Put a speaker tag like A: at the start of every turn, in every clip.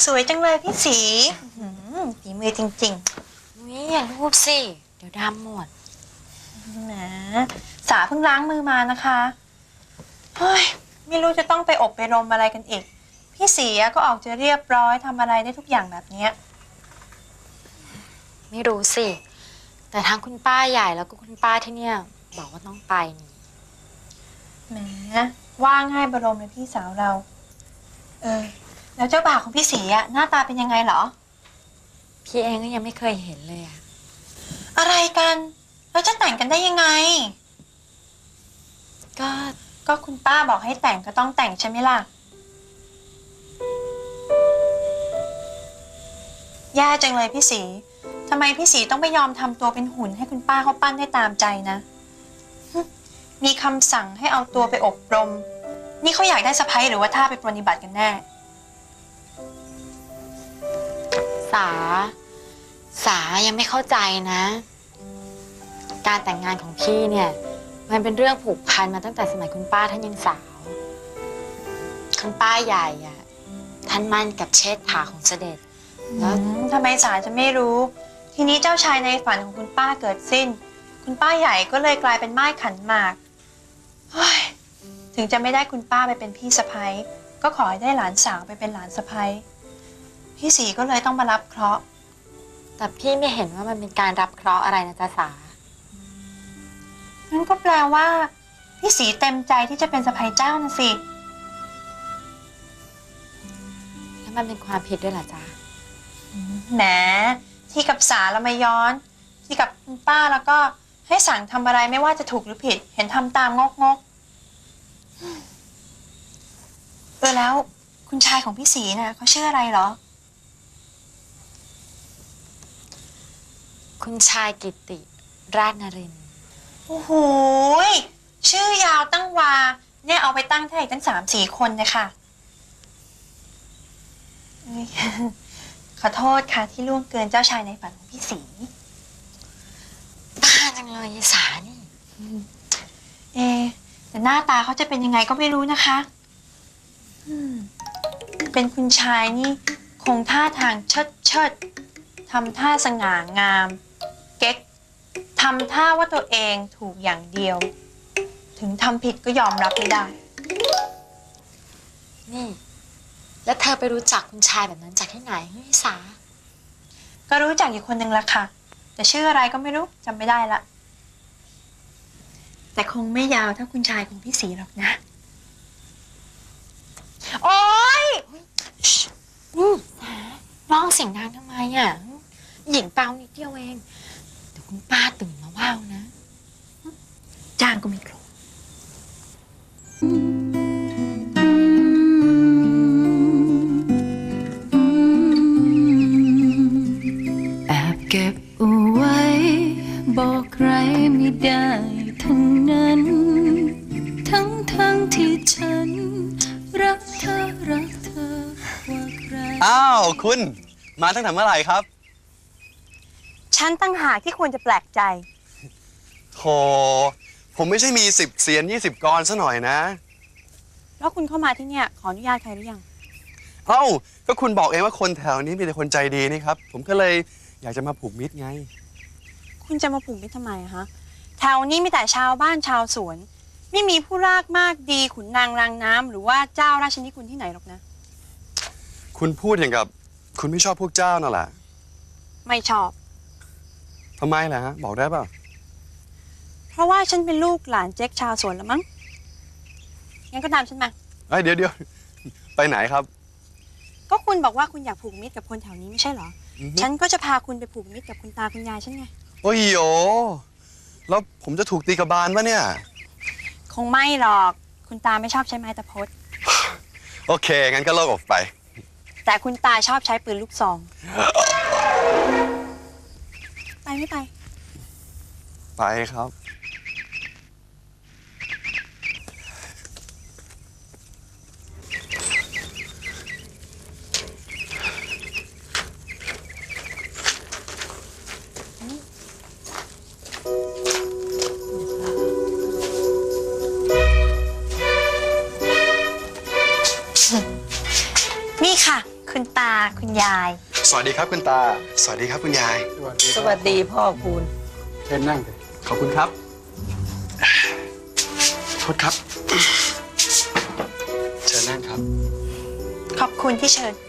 A: สวยจังเลยพี่สีฝีมือจริง
B: นี่อย่ารูปสิเดี๋ยวดำหมด
A: ๆแหมสาเพิ่งล้างมือมานะคะเฮ้ยไม่รู้จะต้องไปอบไปรมอะไรกันอีกพี่สีก็ออกจะเรียบร้อยทำอะไรได้ทุกอย่างแบบนี้
B: ไม่รู้สิแต่ทั้งคุณป้าใหญ่แล้วก็คุณป้าที่เนี่ยบอกว่าต้องไปนี่
A: แหมว่าง่ายบรมเลยพี่สาวเราแล้วเจ้าบ่าวของพี่สีหน้าตาเป็นยังไงเหรอ
B: พี่เองก็ยังไม่เคยเห็นเลยอะ
A: อะไรกันแล้วจะแต่งกันได้ยังไงก็คุณป้าบอกให้แต่งก็ต้องแต่งใช่ไหมล่ะแย่จังเลยพี่สีทำไมพี่สีต้องไปยอมทำตัวเป็นหุ่นให้คุณป้าเขาปั้นได้ตามใจนะมีคำสั่งให้เอาตัวไปอบรมนี่เขาอยากได้สะใภ้หรือว่าท่าไปปรนนิบัติกันแน่
B: สายังไม่เข้าใจนะการแต่งงานของพี่เนี่ยมันเป็นเรื่องผูกพันมาตั้งแต่สมัยคุณป้าท่านยังสาวคุณป้าใหญ่อะท่านมั่นกับเชษฐาของเสด็จ
A: แล้วทำไมสาจะไม่รู้ทีนี้เจ้าชายในฝันของคุณป้าเกิดสิ้นคุณป้าใหญ่ก็เลยกลายเป็นม่ายขันหมากถึงจะไม่ได้คุณป้าไปเป็นพี่สะใภ้ก็ขอให้ได้หลานสาวไปเป็นหลานสะใภ้พี่สีก็เลยต้องมารับเคราะห์
B: แต่พี่ไม่เห็นว่ามันเป็นการรับเคราะห์อะไรนะจ๊ะสา
A: นั่นก็แปลว่าพี่สีเต็มใจที่จะเป็นสะใภ้เจ้านะสิ
B: แล้วมันเป็นความผิดด้วยเหรอจ๊ะ
A: แหมที่กับสาแล้วไม่ย้อนที่กับคุณป้าแล้วก็ให้สั่งทำอะไรไม่ว่าจะถูกหรือผิดเห็นทำตามงกแล้วคุณชายของพี่สีน่ะเขาชื่ออะไรเหรอ
B: คุณชายกิติราชนรินทร์
A: โอ้โหชื่อยาวตั้งวาเนี่ยเอาไปตั้งให้ตั้ง3-4 คนนะคะขอโทษค่ะที่ล่วงเกินเจ้าชายในฝันของพี่สี
B: บ้าจังเลยยายสานี่
A: แต่หน้าตาเขาจะเป็นยังไงก็ไม่รู้นะคะเป็นคุณชายนี่คงท่าทางเชิดทำท่าสง่างามเก๊กทำท่าว่าตัวเองถูกอย่างเดียวถึงทำผิดก็ยอมรับไม่ได้
B: นี่แล้วเธอไปรู้จักคุณชายแบบนั้นจากที่ไหนยายสา
A: ก็รู้จักอยู่คนหนึ่งละค่ะแต่ชื่ออะไรก็ไม่รู้จำไม่ได้ละแต่คงไม่ยาวเท่าคุณชายของพี่สีหรอกนะโอ๊ย
B: นี่สาร้องเสียงดังทำไมอ่ะหญิงเปล่านิดเดียวเองเดี๋ยวคุณป้าตื่นมาว่าวนะ
A: จ้างก็ไม่ครบ
C: แอบเก็บเอาไว้บอกใครไม่ได้ทั้งนั้นทั้งที่ฉันรักเธอกว่าใคร
D: อ้าวคุณมาตั้งแต่เมื่อไหร่ครับ
A: ฉันตั้งหากที่ควรจะแปลกใจ
D: โธ่ผมไม่ใช่มี10 เสียน20 กรซะหน่อยนะ
A: แล้วคุณเข้ามาที่เนี่ยขออนุญาตใครหรือยัง
D: เอ้าก็คุณบอกเองว่าคนแถวนี้มีแต่คนใจดีนี่ครับผมก็เลยอยากจะมาผูกมิตรไง
A: คุณจะมาผูกมิตรทำไมอะฮะแถวนี้มีแต่ชาวบ้านชาวสวนไม่มีผู้รากมากดีขุนนางรางน้ำหรือว่าเจ้าราชนิคุณที่ไหนหรอกนะ
D: คุณพูดอย่างกับคุณไม่ชอบพวกเจ้านั่นแหละ
A: ไม่ชอบ
D: ทำไมล่ะฮะบอกได้เปล่า
A: เพราะว่าฉันเป็นลูกหลานเจ๊กชาวสวนแล้วมั้งงั้นก็ตามฉันมา
D: เดี๋ยวไปไหนครับ
A: ก็คุณบอกว่าคุณอยากผูกมิตรกับคนแถวนี้ไม่ใช่เหรอฉันก็จะพาคุณไปผูกมิตรกับคุณตาคุณยายฉันไง
D: โอ้ยโยแล้วผมจะถูกตีกระบาลปะเนี่ย
A: คงไม่หรอกคุณตาไม่ชอบใช้ไม้ตะพด
D: โอเคงั้นก็เลิกออกไป
A: แต่คุณตาชอบใช้ปืนลูกซองไปไม่ไป
D: ไปครับ
A: นี่ค่ะคุณตาคุณยาย
D: สวัสดีครับคุณตา สวัสดีครับคุณยาย
E: สวัสดีพ่อคุณ
F: เชิญนั่งเลย
D: ขอบคุณครับ โทษครับ เชิญนั่งครับ
A: ขอบคุณที่เชิญ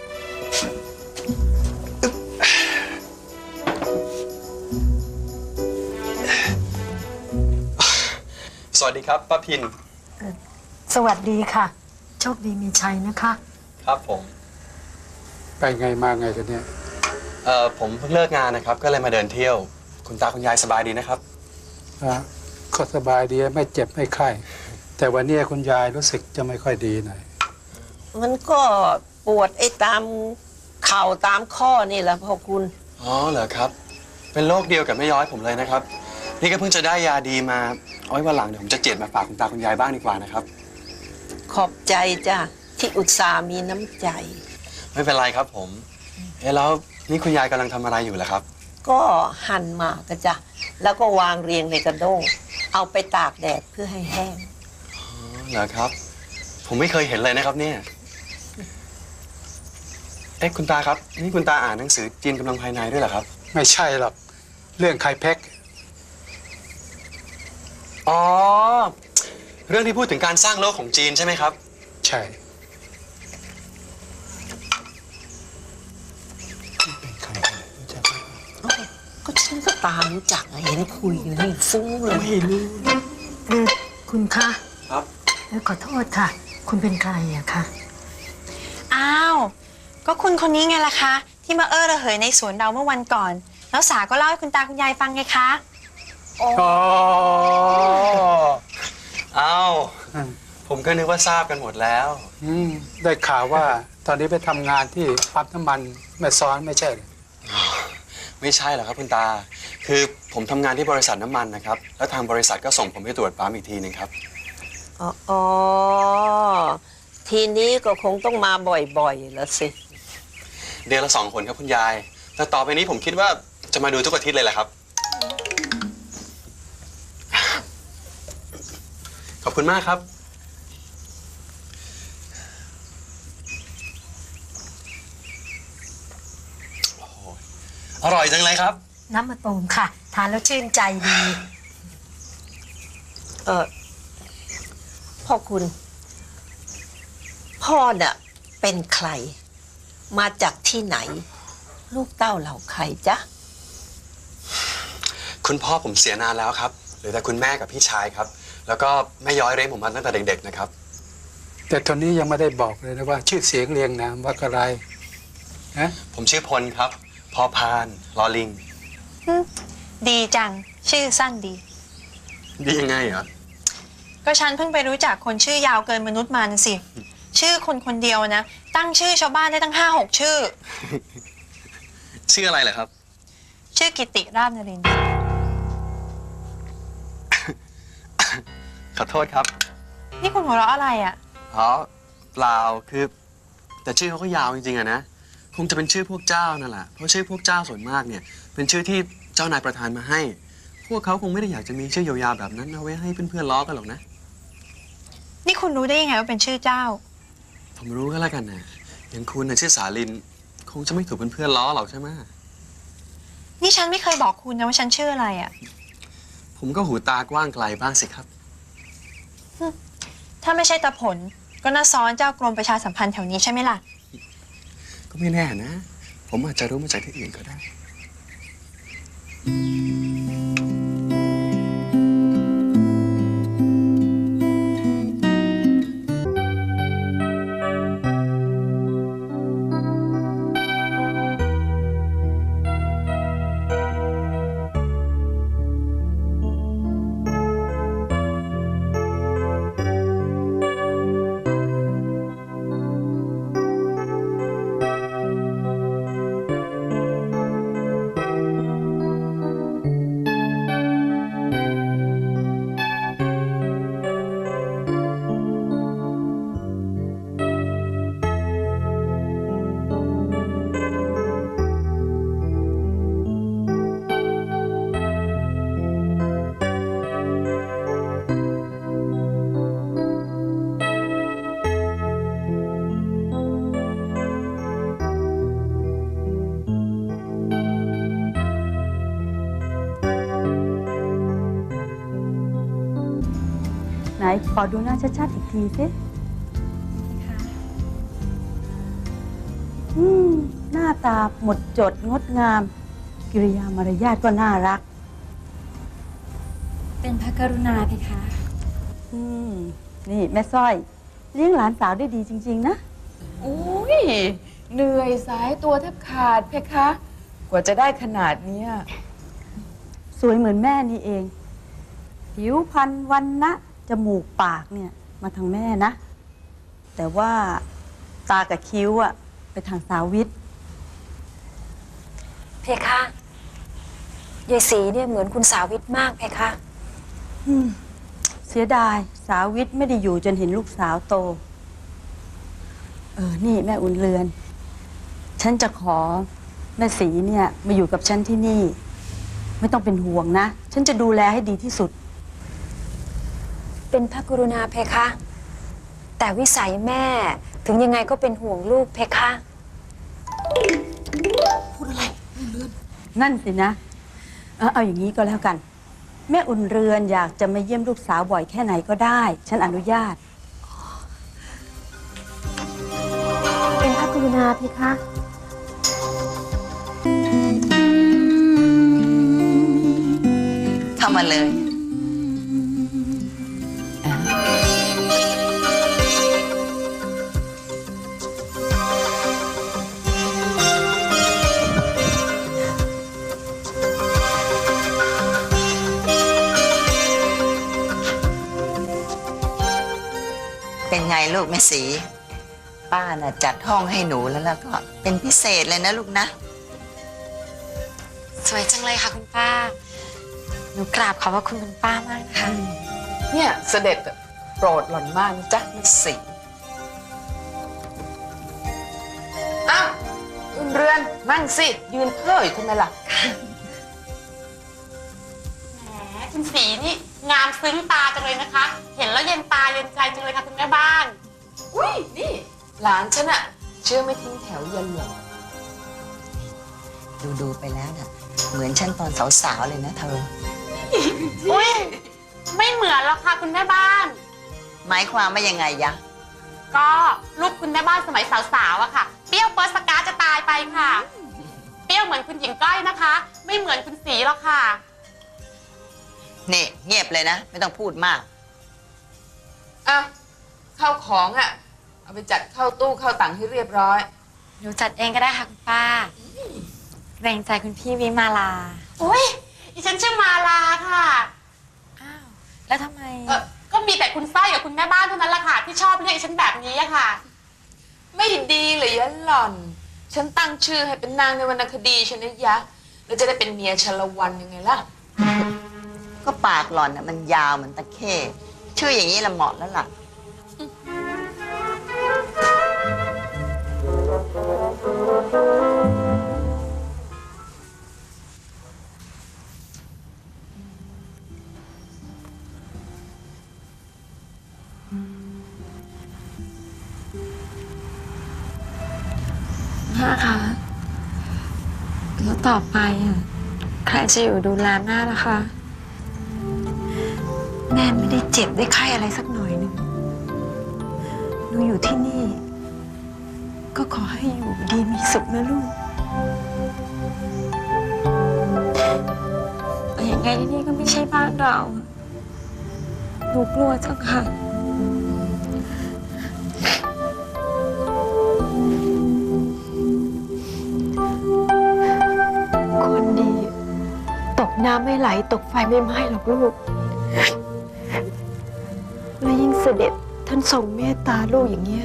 D: สวัสดีครับป้าพิน
G: สวัสดีค่ะ โชคดีมีชัยนะคะ
D: ครับผม
F: ไปไงมาไงกันเนี่ย
D: ผมเพิ่งเลิกงานนะครับ ก็เลยมาเดินเที่ยว คุณตาคุณยายสบายดีนะครับ
F: ก็สบายดีไม่เจ็บไม่ไข้ แต่วันนี้คุณยายรู้สึกจะไม่ค่อยดีหน่อย
E: มันก็ปวดไอ้ตามเข่าตามข้อนี่แหละพ่อคุณ
D: อ๋อเหรอครับ เป็นโรคเดียวกับแม่ย้อยผมเลยนะครับ นี่ก็เพิ่งจะได้ยาดีมาเอาไว้วันหลังเดี๋ยวผมจะเจ็ดมาฝากคุณตาคุณยายบ้างดีกว่านะครับ
E: ขอบใจจ้ะที่อุตส่าห์มีน้ำใจ
D: ไม่เป็นไรครับผม แล้วนี่คุณยายกำลังทำอะไรอยู่ล่ะครับ
E: ก็หั่นหมากกะจ้ะแล้วก็วางเรียงในกระด้ง เอาไปตากแดดเพื่อให้แห้ง
D: อ๋อเหรอครับ ผมไม่เคยเห็นเลยนะครับเนี่ย คุณตาครับ นี่คุณตาอ่านหนังสือจีนกำลังภายในด้วยเหรอครับ
F: ไม่ใช่หรอก เรื่องไข่เพ็ก
D: อ๋อ เรื่องที่พูดถึงการสร้างโลกของจีนใช่ไหมครับ
F: ใช่เป็นใครกันรู้จักไหม
E: ก็ฉันก็ตามรู้จักอะเห็นคุยอยู่นี่ฟุ้งเลย
D: ไม่รู้
G: คุณคะ
D: ครับ
G: ขอโทษค่ะ คุณเป็นใครอะคะ
A: อ้าว ก็คุณคนนี้ไงล่ะคะ ที่มาระเหยในสวนเราเมื่อวันก่อน แล้วสาก็เล่าให้คุณตาคุณยายฟังไงคะ
F: อ๋อ
D: อ้าว ผมก็นึกว่าทราบกันหมดแล้ว
F: ได้ข่าวว่าตอนนี้ไปทำงานที่ปั๊มน้ำมันแม่ซ้อนไม่ใช่เหรอ
D: ไม่ใช่หรอกครับคุณตา คือผมทำงานที่บริษัทน้ำมันนะครับ แล้วทางบริษัทก็ส่งผมไปตรวจปั๊มอีกทีหนึ่งครับ
E: อ๋อ ทีนี้ก็คงต้องมาบ่อยๆแล้วสิ
D: เดือนละ2 คนครับคุณยาย แต่ต่อไปนี้ผมคิดว่าจะมาดูทุกอาทิตย์เลยแหละครับ ขอบคุณมากครับ โอ้โหอร่อยจังเลยครับ
G: น้ำมะตูมค่ะ ทานแล้วชื่นใจดี
E: พ่อคุณ พ่อน่ะเป็นใคร มาจากที่ไหน ลูกเต้าเหล่าใครจ๊ะ
D: คุณพ่อผมเสียนานแล้วครับเหลือแต่คุณแม่กับพี่ชายครับ แล้วก็แม่ย้อยเลี้ยงผมมาตั้งแต่เด็กๆนะครับ
F: แต่ตอนนี้ยังไม่ได้บอกเลยนะว่า ชื่อเสียงเรียงนามว่าอะไรนะ
D: ผมชื่อพลครับ พอพานลอลิง
A: ดีจัง ชื่อสั้นดี
D: ดียังไงเหรอ
A: ก็ฉันเพิ่งไปรู้จักคนชื่อยาวเกินมนุษย์มานะสิ ชื่อคนคนเดียวนะ ตั้งชื่อชาวบ้านได้ตั้ง5-6 ชื่อ
D: ชื่ออะไรเหรอครับ
A: ชื่อกิติราชนรินทร์
D: ขอโทษครับ
A: นี่คุณหัวเราะอะไรอ่ะ
D: อ๋อเปล่าคือ แต่ชื่อเขาก็ยาวจริงๆอะนะ คงจะเป็นชื่อพวกเจ้านั่นแหละ เพราะชื่อพวกเจ้าส่วนมากเนี่ย เป็นชื่อที่เจ้านายประธานมาให้ พวกเขาคงไม่ได้อยากจะมีชื่อยาวๆแบบนั้นเอาไว้ให้เพื่อนๆล้อกันหรอกนะ
A: นี่คุณรู้ได้ยังไงว่าเป็นชื่อเจ้า
D: ผมรู้ก็แล้วกันนะอย่างคุณน่ะชื่อสาลิน คงจะไม่ถูกเพื่อนๆล้อหรอกใช่ไหม
A: นี่ฉันไม่เคยบอกคุณนะว่าฉันชื่ออะไรอ่ะ
D: ผมก็หูตากว้างไกลบ้างสิครับ
A: ถ้าไม่ใช่ตาผล ก็น่าซ้อนเจ้ากรมประชาสัมพันธ์แถวนี้ใช่ไหมล่ะ
D: ก็ไม่แน่นะ ผมอาจจะรู้มาจากที่อื่นก็ได้
H: ขอดูหน้าชัดๆอีกทีสิหน้าตาหมดจดงดงาม กิริยามารยาทก็น่ารัก
G: เป็นพระกรุณาเพคะ
H: นี่แม่สร้อย เลี้ยงหลานสาวได้ดีจริง ๆ นะ
I: อุ้ยเหนื่อยสายตัวแทบขาดเพคะ กว่าจะได้ขนาดเนี้ย
H: สวยเหมือนแม่นี่เอง ผิวพรรณวันนะจมูกปากเนี่ย มาทางแม่นะ แต่ว่าตากับคิ้วอะไปทางสาวิต
G: เพคะยายศรีเนี่ยเหมือนคุณสาวิตมากเพคะ
H: เสียดายสาวิตไม่ได้อยู่จนเห็นลูกสาวโต นี่แม่อุ่นเรือน ฉันจะขอแม่ศรีเนี่ยมาอยู่กับฉันที่นี่ ไม่ต้องเป็นห่วงนะ ฉันจะดูแลให้ดีที่สุด
G: เป็นพระกรุณาเพคะ แต่วิสัยแม่ถึงยังไงก็เป็นห่วงลูกเพคะ
H: นั่นสินะ เอาอย่างนี้ก็แล้วกัน แม่อุ่นเรือนอยากจะมาเยี่ยมลูกสาวบ่อยแค่ไหนก็ได้ ฉันอนุญาต
G: เป็นพระกรุณาเพคะ
E: เข้ามาเลย เป็นไงลูกแม่สี ป้าน่ะจัดห้องให้หนูแล้วก็เป็นพิเศษเลยนะลูกนะ
B: สวยจังเลยค่ะคุณป้า หนูกราบขอบพระคุณคุณป้ามากนะคะ
I: เนี่ยเสด็จโปรดหล่อนมากนะจ๊ะแม่สีอ้าวอุ่นเรือนนั่งสิ ยืนเพ้ออยู่ทำไมล่ะ
B: แหมคุณสีนี่งามซึ้งตาจังเลยนะคะ เห็นแล้วเย็นตาเย็นใจจังเลยค่ะคุณแม่บ้าน
I: อุ้ยนี่ หลานฉันอะเชื่อไม่ทิ้งแถวเย็นหรอก
E: ดูไปแล้วน่ะ เหมือนฉันตอนสาวๆเลยนะเธอ
B: อุ้ยไม่เหมือนหรอกค่ะคุณแม่บ้าน
E: หมายความว่ายังไงยะ
B: ก็ลูกคุณแม่บ้านสมัยสาวๆอะค่ะ เปรี้ยวเปิร์สกาจะตายไปค่ะ เปรี้ยวเหมือนคุณหญิงก้อยนะคะ ไม่เหมือนคุณสีหรอกค่ะ
E: นี่เงียบเลยนะ ไม่ต้องพูดมาก
I: อ่ะข้าวของอะเอาไปจัดเข้าตู้เข้าตังให้เรียบร้อย
B: หนูจัดเองก็ได้ค่ะคุณป้าเกรงใจคุณพี่วิมาลาอุ้ยดิฉันชื่อมาลาค่ะ อ้าว แล้วทำไม ก็มีแต่คุณสร้อยกับคุณแม่บ้านเท่านั้นแหละค่ะที่ชอบเรียกดิฉันแบบนี้อะค่ะ
I: ไม่ดีเลยยะหล่อน ฉันตั้งชื่อให้เป็นนางในวรรณคดีฉันนะยะ แล้วจะได้เป็นเมียชลวันยังไงล่ะ
E: ก็ปากหล่อนน่ะมันยาวเหมือนตะเข้ชื่ออย่างนี้ละเหมาะแล้วล่ะ
B: แม่คะแล้วต่อไปใครจะอยู่ดูแลแม่ล่ะคะ
G: แม่ไม่ได้เจ็บได้ไข้อะไรสักหน่อยหนึ่งหนูอยู่ที่นี่ ก็ขอให้อยู่ดีมีสุขนะลูก
B: แต่ยังไงที่นี่ก็ไม่ใช่บ้านเราหนูกลัวจังค่ะ
G: คนดีตกน้ำไม่ไหลตกไฟไม่ไหม้หรอกลูก และยิ่งเสด็จท่านทรงเมตตาลูกอย่างเงี้ย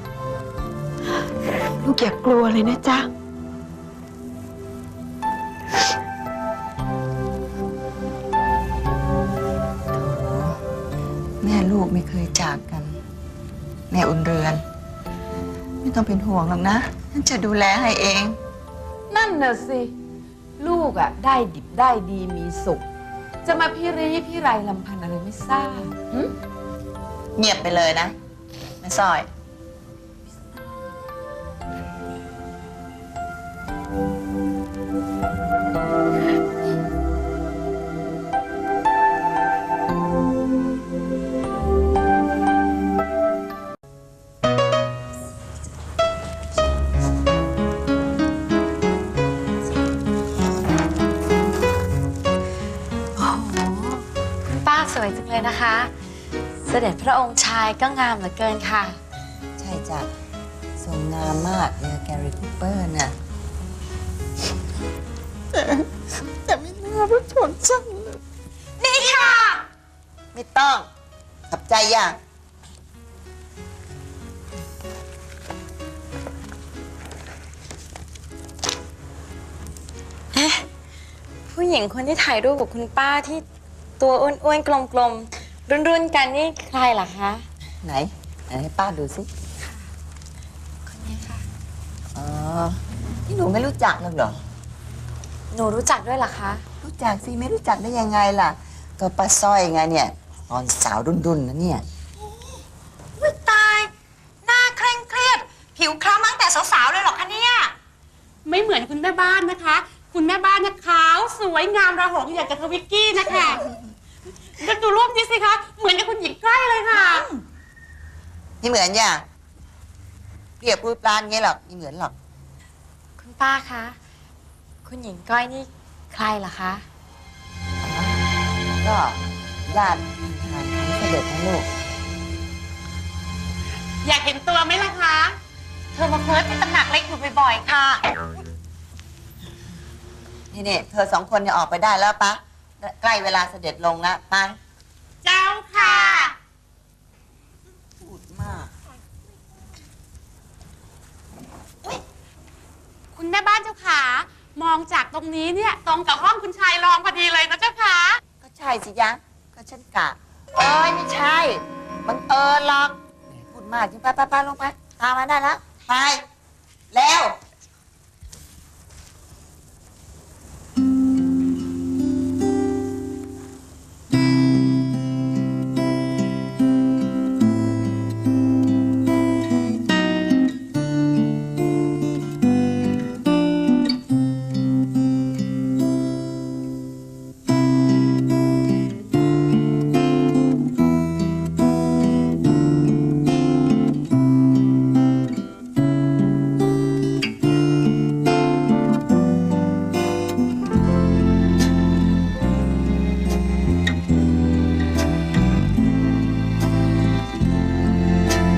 G: ลูกอย่ากลัวเลยนะจ๊ะ
E: แม่ลูกไม่เคยจากกัน แม่อุ่นเรือน ไม่ต้องเป็นห่วงหรอกนะฉันจะดูแลให้เอง
I: นั่นน่ะสิ ลูกอะได้ดิบได้ดีมีสุข จะมาพี่รีพี่ไรลำพันอะไรไม่ทราบหึ
E: เงียบไปเลยนะแม่สร้อย
B: นะคะ เสด็จพระองค์ชายก็งามเหลือเกินค่ะ
E: ใช่จ้ะทรงงามมากเนี่ยแกรี่คูเปอร์น่ะแต่ไม่น่าว่าชนจังเลย
B: นี่ค่ะ
E: ไม่ต้องขับใจย่ะ
B: ผู้หญิงคนที่ถ่ายรูปกับคุณป้าที่ตัวอ้วนๆกลมๆรุ่นๆกันนี่ใครล่ะคะ
E: ไหนให้ป้าดูสิ
B: คนนี้ค่ะ
E: อ๋อที่หนูไม่รู้จักหรอกเหรอ
B: หนูรู้จักด้วยเหรอคะ
E: รู้จักสิไม่รู้จักได้ยังไงล่ะก็ป้าสร้อยไงเนี่ยตอนสาวรุ่นๆนะเนี่ย
A: อุ๊ยตาย หน้าเคร่งเครียด ผิวคล้ำตั้งแต่สาวๆเลยเหรอคะเนี่ย
J: ไม่เหมือนคุณแม่บ้านนะคะ คุณแม่บ้านเนี่ยขาวสวยงามระหงอย่างกับทวิกกี้นะคะดูรูปนี้สิคะ เหมือนกับคุณหญิงใกล้เลยค่ะ
E: ไม่เหมือนย่ะเรียบรูปร้านเงี้ยหรอกไม่เหมือนหรอก
B: คุณป้าคะ คุณหญิงก้อยนี่ใครล่ะคะ
E: ก็ญาติทางของเสด็จนะลูก
J: อยากเห็นตัวไหมล่ะคะ
A: เธอมาเพิร์ทที่ตำหนักเล็กอยู่บ่อยๆค่ะ
E: นี่เธอสองคนเนี่ยออกไปได้แล้วปะใกล้เวลาเสด็จลงแล้วไป
J: เจ้าค่ะ
E: พูดมาก
J: คุณแม่บ้านเจ้าขามองจากตรงนี้เนี่ยตรงกับห้องคุณชายรองพอดีเลยนะเจ้าค่ะ
E: ก็ใช่สิยะก็ฉันกะเอ้ยไม่ใช่บังเอิญหรอกพูดมากจริงไปลงไปตามมาได้แล้วไปแล้ว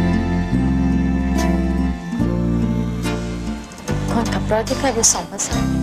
B: คนขับรถที่เคยไปส่งพระสัน